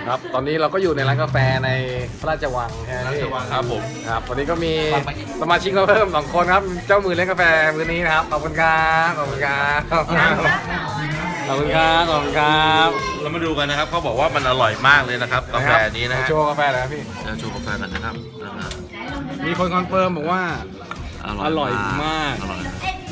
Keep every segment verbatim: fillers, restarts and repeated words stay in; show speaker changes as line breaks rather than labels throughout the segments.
ครับตอนนี้เราก็อยู่ในร้านกาแฟในพระราชวังใช่ไหมพี่
ครับผม
ครับวันนี้ก็มีสมาชิกเราเพิ่มสองคนครับเจ้ามือเลี้ยงกาแฟมือนี้นะครับขอบคุณครับขอบคุณครับขอบคุณครับขอบคุณครับขอบคุณครับ
เรามาดูกันนะครับเขาบอกว่ามันอร่อยมากเลยนะครับกาแฟนี้นะฮะ
โชว์กาแฟเลยครับพี่
เราโชว์กาแฟกันนะครับ
มีคนคอนเฟิร์มบอกว่า อร่อยมาก
อร่อย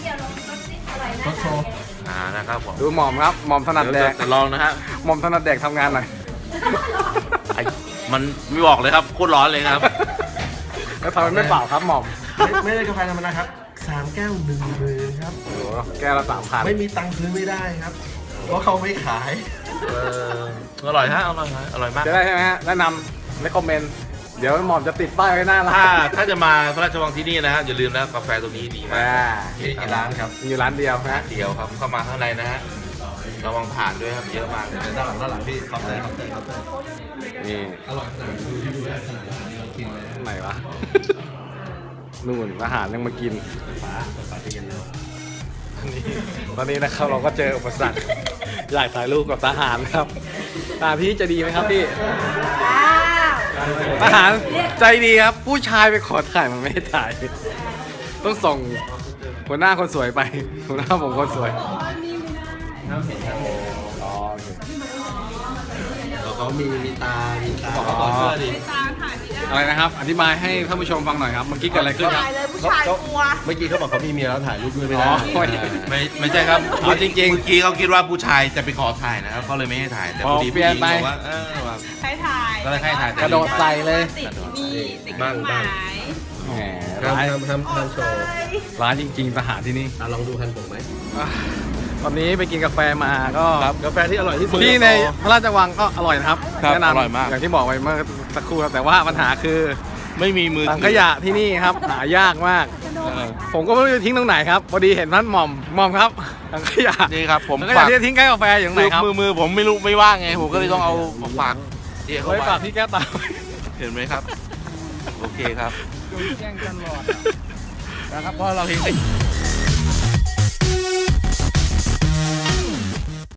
อ่านะครับผม
ดูหม่อมครับหม่อมถนัดแดก
แต่ลองนะฮะ
หม่อมถนัดแดกทำงานหน่อย
ไอ้มันไม่บอกเลยครับโคตรร้อนเลยครับ
แล้วทำไมไม่เปล่าครับหม่อม
ไม่ไม่ได้กาแฟธรรมดาครับสามแก้วหนึ่งหมื่นครับ
โอ้โหแก้วละสามพัน
ไม่มีตังค์ซื้อไม่ได้ครับ เพราะเขาไม่ขาย
เอออร่อยฮะอร่อยฮะอร่อยมาก
จะได้ใช่ไหมฮะแนะนำเลคคอมเมนต์เดี๋ยวหม่อมจะติดป้ายไว้หน้าร้า
ถ้าน ถ้าจะมาพระราชวังที่นี่นะฮะอย่าลืมนะกาแฟตัวนี้ดีมาก
อ่า
ที่ร้านครับ
มีอยู่ร้านเดียวนะ
เดียวครับเข้ามาข้างในนะฮะระวังผ่านด้วยครับเยอะมากเลย
ด้านหลังด้านหลังพี่เคาน์เตอร์เคาน์เตอร์เคาน์เตอร์
นี่
อร่อยขนาดดูที่ดูได้ขนาดนี้เรากินเลย
ไหนวะ นู่นอาหารยังมากิน
ฝาฝาจะเย็นเลย
ตอนนี้นะครับเราก็เจออุปสรรค อยากถ่ายรูปกับทหารครับทหารพี่จะดีไหมครับพี่ทหารใจดีครับ ผู้ชายไปขอถ่ายมันไม่ให้ถ่าย ต้องส่งหัวหน้าคนสวยไปหัวหน้าผมคนสวยอ๋อโอเค
แล้วเขามีมีตา มีตา
อ๋ออะไรนะครับ อธิบายให้ท่านผู้ชมฟังหน่อยครับ เมื่อกี้เกิดอะไรขึ้นครับ
เลยผู้ชายกลัว
เมื่อกี้เขาบอกเขามีเมียแล้วถ่ายรูปด้วยไม่
อ๋
ได้
อ
ไม่ไม่ใช่ครับ
เอาจริงๆ
เมื่อกี้เขาคิดว่าผู้ชายจะไปขอถ่ายนะครับเขาเลยไม่ให้ถ่ายแต่พอดี
อ๋อเปลี่
ผู้
ย
ห
น
ญิง
ไป
บอกว่าเออว่า
ให้ถ่าย
ก็เลยให้ถ่าย
กระโดดใส่เลย
ติดมีติด
บ้าง
ห
บ้าง
มาย
แหม
ทำ
ร้าน
ทำทำทำโชว์
ร้านจริงๆทหารที่นี่
อ่ะลองดูคันผมไหม
อ่ะตอนนี้ไปกินกาแฟมาก็
กาแฟที่อร่อยที่สุด
ที่ในพระราชวังก็อร่อยนะครับ
ครับ
แนะนำ
อร่อยมาก
อย่างที่บอกไปเมื่อสักครู่ครับแต่ว่าปัญหาคือ
ไม่มีมือ
ถังขยะที่นี่ครับ หายากมาก
เออ
ผมก็ไม่รู้จะทิ้งตรงไหนครับพอดีเห็นท่านหม่อมหม่อมครับถังขยะ
นี่ครับผม
ถังขยะ
ฝาก
ที่จะทิ้งใกล้กาแฟอยู่ตรงไหนครับ
มือมือผมไม่รู้ไม่ว่างไงผมก็เลยต้องเอามาฝากเดี๋ยวเขา
ไว้ฝาก
ไว้
ที่แก้วตา
เห็นไหมครับ โอเคครับ
แจ้งตลอดนะครับเพราะเราทิ้ง